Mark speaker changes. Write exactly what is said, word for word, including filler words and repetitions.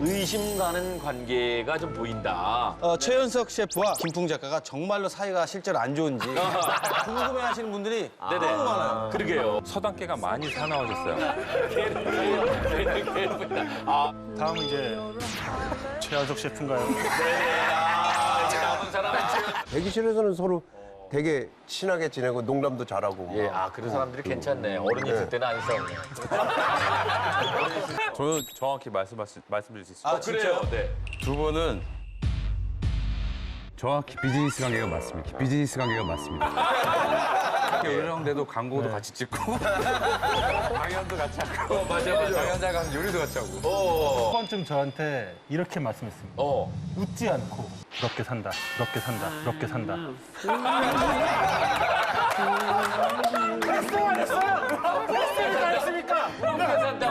Speaker 1: 의심 가는 관계가 좀 보인다.
Speaker 2: 어, 최연석 셰프와 김풍 작가가 정말로 사이가 실제로 안 좋은지 궁금해하시는 분들이
Speaker 1: 네네.
Speaker 2: 너무 많아요.
Speaker 1: 그러게요.
Speaker 3: 서당계가 많이 사나워졌어요.
Speaker 1: 아,
Speaker 4: 다음은 이제 최연석 셰프인가요?
Speaker 1: 아, 이제 남은 사람은
Speaker 5: 대기실에서는 서로 되게 친하게 지내고 농담도 잘하고.
Speaker 1: 예, 아 그런 사람들이 괜찮네. 어른이 있을 때는 안 싸우네.
Speaker 3: 저는 정확히 말씀하시, 말씀드릴 수 있어요.
Speaker 2: 아, 진짜요?
Speaker 1: 네.
Speaker 3: 두 분은
Speaker 6: 정확히 비즈니스 관계가 맞습니다. 비즈니스 관계가 맞습니다. 요령대도 광고도 같이 찍고 강연도 같이 하고
Speaker 1: 어, 맞아, 맞아.
Speaker 6: 강연자가 하면 요리도 같이 하고
Speaker 4: 한 번쯤 저한테 이렇게 말씀했습니다.
Speaker 1: 어.
Speaker 4: 웃지 않고 부럽게 산다, 부럽게 산다, 부럽게 산다.
Speaker 1: 부럽게 산다.